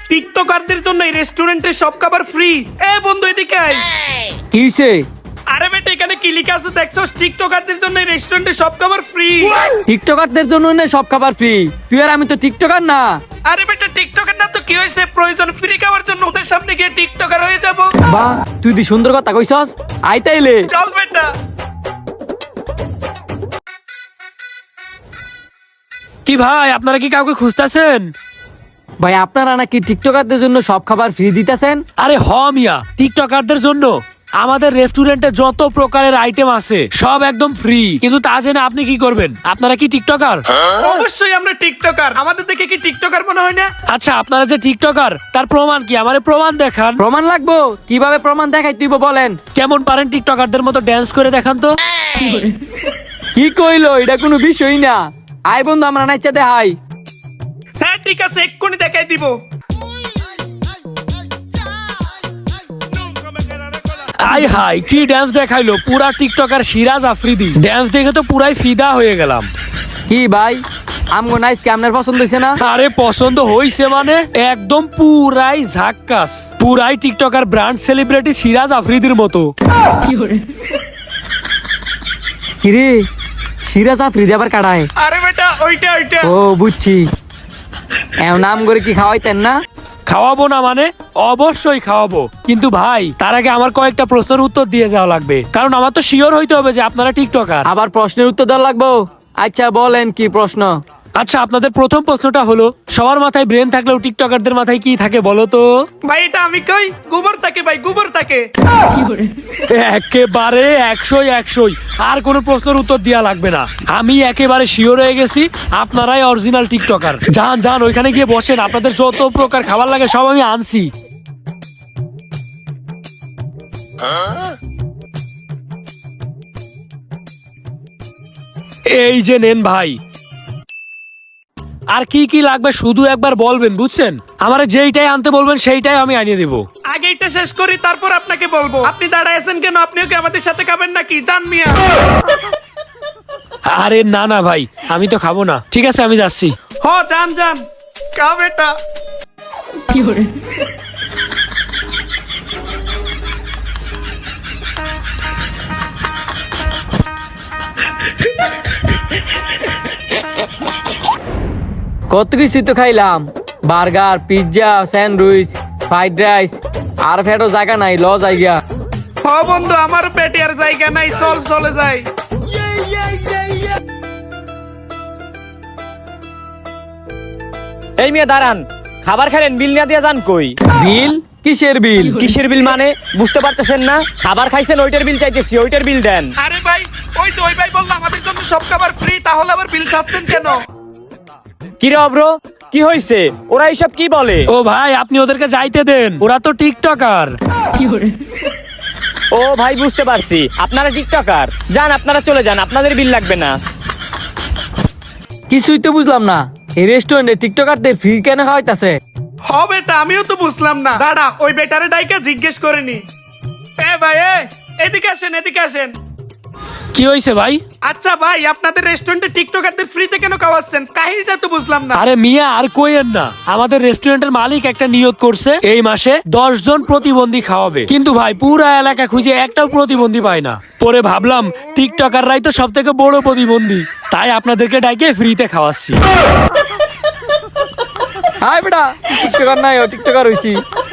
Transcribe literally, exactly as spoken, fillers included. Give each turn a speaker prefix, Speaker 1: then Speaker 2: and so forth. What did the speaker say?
Speaker 1: টিকটকারদের জন্য এই রেস্টুরেন্টে সব খাবার ফ্রি। এ বন্ধু এদিকে আয়।
Speaker 2: কি হইছে?
Speaker 1: আরে বেটা এখানে কি লেখা আছে দেখছস? টিকটকারদের জন্য এই রেস্টুরেন্টে সব খাবার ফ্রি।
Speaker 2: টিকটকারদের জন্য না সব খাবার ফ্রি? তুই আর আমি তো টিকটকার না।
Speaker 1: আরে বেটা টিকটকার না তো কি হইছে? প্রয়োজন ফ্রি খাওয়ার জন্য ওদের সামনে গিয়ে টিকটকার হয়ে যাব।
Speaker 2: বাহ, তুই দি সুন্দর কথা কইছস। আই তাইলে
Speaker 1: চল বেটা।
Speaker 3: কি ভাই, আপনারা কি কাউকে খুঁজতেছেন?
Speaker 2: ভাই, আপনারা নাকি টিকটকারদের জন্য সব খাবার ফ্রি দিতেছেন?
Speaker 3: আরে হ মিয়া, টিকটকারদের জন্য আমাদের রেস্টুরেন্টে যত প্রকারের আইটেম আছে সব একদম ফ্রি। কিন্তু তা জেনে আপনি কি করবেন? আপনারা কি টিকটকার?
Speaker 1: অবশ্যই আমরা টিকটকার। আমাদের দেখে কি টিকটকার মনে হয় না?
Speaker 3: আচ্ছা, আপনারা যে টিকটকার তার প্রমাণ কি? আমারে প্রমাণ দেখান।
Speaker 2: প্রমাণ লাগবো? কিভাবে প্রমাণ দেখাই তুই বলেন?
Speaker 3: কেমন পারেন টিকটকারদের মতো ড্যান্স করে দেখান তো।
Speaker 2: কি কইলো? এটা কোনো বিষয় না। আই বন্ধু, আমরা নাইচা দেখাই।
Speaker 1: হ্যাঁ ঠিক আছে, এক্ষুনি দেখাই দিব।
Speaker 3: আই হাই, কি ড্যান্স দেখাইলো! পুরা টিকটকার সিরাজ আফ্রিদি। ড্যান্স দেখে তো পুরাই ফিদা হয়ে গেলাম।
Speaker 2: কি ভাই, আমগো নাইস কি আপনার পছন্দ হইছে না?
Speaker 3: আরে পছন্দ হইছে মানে একদম পুরাই ঝাক্কাস। পুরাই টিকটকার ব্র্যান্ড সেলিব্রিটি সিরাজ আফ্রিদির মতো।
Speaker 2: কিরে, সিরাজ আফ্রিদি আবার কাটায়?
Speaker 1: আরে বেটা ওইটা ওইটা।
Speaker 2: ও বুঝছি। এও নাম করে কি খাওয়াইতেন না?
Speaker 3: খাওয়াবো না মানে? অবশ্যই খাওয়াবো, কিন্তু ভাই তার আগে আমার কয়েকটা প্রশ্নের উত্তর দিয়ে যাওয়া লাগবে, কারণ আমার তো শিওর হইতে হবে যে আপনারা টিকটকার।
Speaker 2: আবার প্রশ্নের উত্তর দেওয়া লাগবো? আচ্ছা বলেন কি প্রশ্ন।
Speaker 3: আচ্ছা, আপনাদের প্রথম প্রশ্নটা হলো, সবার মাথায় ব্রেন থাকলেও টিকটকারদের মাথায় কি থাকে বলো তো?
Speaker 1: ভাই এটা আমি কই, গোবর থাকে ভাই, গোবর থাকে।
Speaker 3: একেবারে একশোই একশোই। আর কোনো প্রশ্নের উত্তর দেওয়া লাগবে না। আমি একেবারে শিওর হয়ে গেছি আপনারাই অরিজিনাল টিকটকার। যান যান ওইখানে গিয়ে বসেন, আপনাদের যত প্রকার খাবার লাগে সব আমি আনছি। এই যে নেন ভাই। আর কি কি লাগবে শুধু একবার বলবেন, বুঝছেন? আমার যেইটাই আনতে বলবেন সেইটাই আমি আনিয়ে দেবো।
Speaker 1: আগে এটা শেষ করি তারপর আপনাকে বলবো। আপনি দাঁড়ায় আছেন কেন? আপনিও কি আমাদের সাথে খাবেন নাকি? জান মিয়া।
Speaker 3: আরে না না ভাই, আমি তো খাবো না। ঠিক আছে, আমি যাচ্ছি।
Speaker 1: হ জান জান, খা বেটা।
Speaker 2: কত কিছু তো খাইলাম, burger, pizza, sandwich, fried rice, আর ফেটো জায়গা নাই, ল জায়গা।
Speaker 1: হ বন্ধু, আমার পেটে আর জায়গা নাই, চল চলে যাই।
Speaker 4: এই মেয়ে দাঁড়ান, খাবার খেলেন, বিল না দিয়ে যান কই?
Speaker 2: বিল? কিসের বিল?
Speaker 4: কিসের বিল মানে বুঝতে পারতেছেন না? খাবার খাইছেন ওইটার বিল চাইতেছি, ওইটার বিল দেন।
Speaker 1: আরে ভাই, ওই যে ওই ভাই বললো আমাদের জন্য সব খাবার ফ্রি, তাহলে আবার বিল চাচ্ছেন কেন?
Speaker 4: কি রে অব্র, কি হইছে? ওরা এইসব কি বলে?
Speaker 3: ও ভাই, আপনি ওদেরকে যাইতে দেন, ওরা তো টিকটকার।
Speaker 4: ও ভাই বুঝতে পারছি, আপনারা টিকটকার। যান, আপনারা চলে যান, আপনাদের বিল লাগবে না।
Speaker 2: কিছুই তো বুঝলাম না, এই রেস্টুরেন্টে টিকটকারদের ফ্রি কেন খাওয়াইতাছে?
Speaker 1: হ বেটা, আমিও তো বুঝলাম না। দাঁড়া, ওই বেটারে ডাইকা জিজ্ঞেস করে নি। এ ভাই, এ এদিকে আসেন, এদিকে আসেন।
Speaker 3: কি হয়েছে ভাই?
Speaker 1: আচ্ছা ভাই, আপনাদের রেস্টুরেন্টে টিকটকারদের ফ্রিতে কেন খাওয়াচ্ছেন? কাহিনীটা তো বুঝলাম না।
Speaker 3: আরে মিয়া আর কইেন না, আমাদের রেস্টুরেন্টের মালিক একটা নিয়োগ করছে এই মাসে দশ জন প্রতিবন্ধী খাওয়াবে, কিন্তু ভাই পুরা এলাকা খুঁজে একটাও প্রতিবন্ধী পায় না। পরে ভাবলাম টিকটকাররাই তো সব থেকে বড় প্রতিবন্ধী, তাই আপনাদেরকে ডাইকে ফ্রিতে খাওয়াচ্ছি।
Speaker 2: হাই বেটা, টিকটকার নাই, ও টিকটকার হইছি।